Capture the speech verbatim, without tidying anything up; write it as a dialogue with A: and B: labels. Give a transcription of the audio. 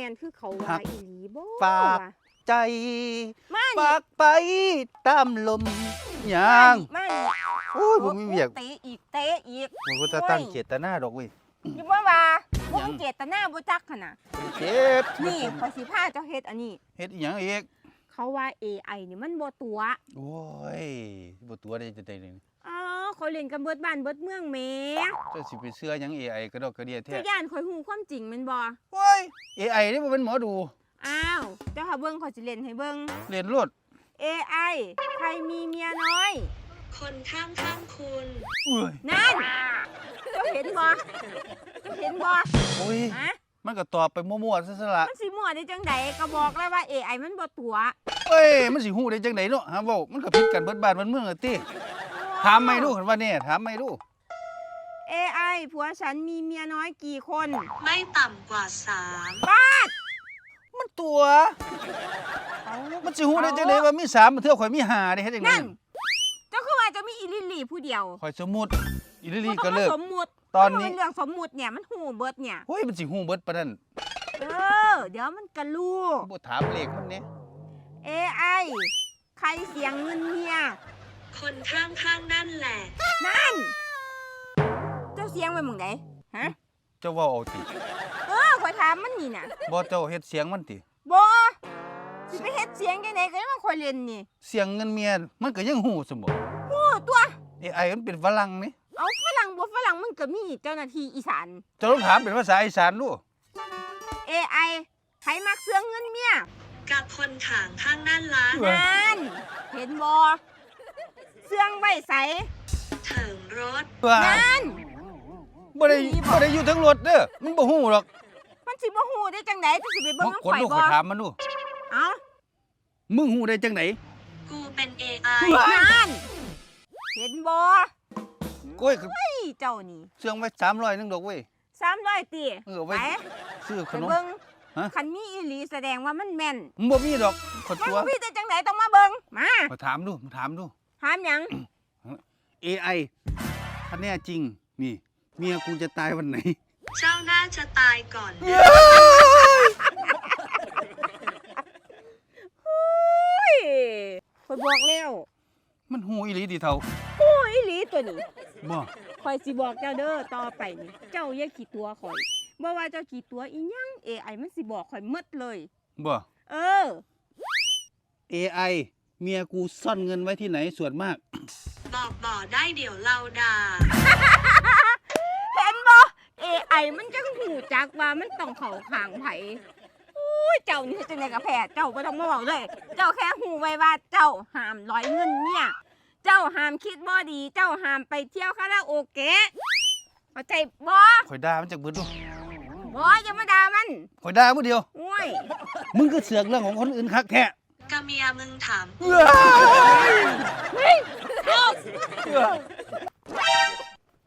A: นคือเขาว่าอีหลีบ่
B: ฝากใจ
A: มา
B: ฝากไปตามลมยาง
A: มา
B: โอ้ยบ่มีเวียก
A: เตะอีกเตะอีก
B: มันก็จะตั้งเจตนาดอกเว้ย
A: อยู่บ่ว่าบ่เจตนาบ่จักหั่นน่ะ
B: เจ็บ
A: นี่ขอยสิพาเจ้าเฮ็ดอันนี้
B: เฮ็ดอีหยังอีก
A: เขาว่า เอ ไอ นี่มันบ่ตัว
B: โอ้ยบ่ตัวได้จะได้นี่
A: อ๋อเขาเล่นกันเบิดบ้านเบิดเมืองแหม
B: เจ้าสิไปเชื่อหยัง เอ ไอ กระดอกกระเดียแท้
A: เจ้าย่านข่อยฮู้ความจริงแม่นบ่
B: โอ้ย เอ ไอ นี่บ่เป็นหมอดู
A: อ้าวเจ้าหาเบิ่งข่อยสิเล่นให้เบิ่ง
B: เรียนรวด
A: เอ ไอ ใครมีเมียน้อย
C: คนข้างข้างคุณ
B: เอ้ย
A: นั่นเจ้าเห็นบ่เจ้าเห็นบ่
B: โอ้ย
A: ฮะ
B: มันก็ตอบไปมั่วๆซะซะละ
A: มันสิมั่วได้จังใดก็บอกแล้วว่า เอ ไอ มันบ่ตัว
B: เอ้ย มันสิฮู้ได้จังไดเนาะฮะเว้ามันก็ผิดกันเบิดบ้านเบิดเมืองอะติถามไม่ดูคันว่าแน่ถามไม่ดู
A: เอ ไอ ผัวฉันมีเมียน้อยกี่คน
C: ไม่ต่ำกว่าสาม
B: มันตัว มันสิฮู้ได้จังไดว่ามีสามมันเทื่อข่อยมีห้าได้เฮ็ดจังได
A: นั่น เจ้าคือว่าเจะมีอีลิลลี่ผู้เดียว
B: ข่อยสมมุติอีลิลี
A: บ่ต้
B: ก็
A: อง
B: เลิ
A: มาก สมมุติ
B: ตอนนี้
A: มัเป็นเรื่องสมมุติเนี่ยมันหูเบิดเนี่ย
B: โอ้ยมันสิฮู้เบิดปานนั้น
A: เออ เดี๋ยวมันก็รู้
B: บ่ถามเลขมันแหน่
A: เอ ไอ ใครเสียงเงินเมีย
C: คนข้างข้างนั่นแหละ
A: นั่น เจ้าเสียงไปหมึงไหนฮะ
B: เจ้าเว้าเอาติ
A: เออขอยถามมันนี่น่ะ
B: บ่เจ้าเฮ็ดเสียงมันติ
A: บ่สิไปเฮ็ดเสียงจังไดก็ยังมาคอยเล่นนี่
B: เสียงเงินเมียมันก็ยังฮู้ซะบ่
A: โอ้ตัว
B: เอ ไอ มันเป็นฝรั่งนี่
A: เอาฝรั่งบ่ฝรั่งมันก็มีเจ้าหน้าที่อีสาน
B: เจ้าต้องถามเป็นภาษาอีสานดู
A: เอ ไอ ใครมักเสืองเงินเมีย
C: กับคนขางข้างนั่นละ
A: นั่น เห็นบ่เสืองไว้ใส
C: เถิงรถ
B: ว่า
A: นั่น
B: บ่ได้บ่ได้อยู่ทั้งรถเด้อมันบ่ฮู้หรอก
A: มันสิบ่ฮู้ได้จังไดจะสิไปเบิ่งน้ำ
B: คน
A: ข่อย
B: ลูก
A: บ่
B: ข่อยถามมันดู
A: เอ้า
B: มึงฮู้ได้จังได
C: กูเป็น เอ ไอ
A: นั่น เห็นบ่
B: โอ้ย
A: เฮ้ยเจ้านี่
B: เสื่องไว้สามร้อยนึงดอกเว้ย
A: สามร้อยติ
B: เออไว้
A: ไป
B: ซื้อข
A: ไป
B: นม
A: เบิ่ง
B: ฮะ
A: คันมีอีหลีแสดงว่ามันแม่น
B: มันบ่มีดอกขด
A: มัน
B: ตัว
A: บ่มีแต่จังไดต้องมาเบิ่งมา
B: ขอถามดูถามดู
A: ถามหยัง
B: เอ ไอ ถ้าแน่จริง นี่ เมียกูจะตายวันไหน
C: เจ้าน่าจะตายก่อน
A: เฮ้ยข่อยบอกแล้ว
B: มันฮู้อีหลีดิเท่า
A: โอ้ยอีหลีตัวนี้
B: บ่
A: ข่อยสิบอกเจ้าเด้อต่อไปนี่เจ้าอย่าขี้ตัวข่อยบ่ว่าเจ้าขี้ตัวอีหยัง เอ ไอ มันสิบอกข่อยหมดเลย
B: บ่
A: เออ
B: เอ ไอ เมียกูซ่อนเงินไว้ที่ไหนส่วนมาก
C: บอกบ่อได้เดี๋ยวเราด่า
A: เห็นบ่ เอ ไอ มันจังหูจักว่ามันต้องเข้าข้างไผอุ้ยเจ้านี่จังได๋ก็แพ้เจ้าบ่ต้องมาเว้าเลย เจ้าแค่หูไว้ว่าเจ้าห้ามร้อยเงินเมียเจ้าห้ามคิดบ่ดี เจ้าห้ามไปเที่ยวคาราโอเกะเข้าใจบ่
B: ข่อยด่ามันจากเบิดดู
A: บ่อย่ามาด่ามัน
B: ข่อยด่าผู้เดียว
A: โอ้ย
B: มึงก็เสือกเรื่องของคนอื่นคักแท้
C: กะเมียมึงถาม
B: เอ้ย
A: เฮ้ยเอา
B: เอ้ย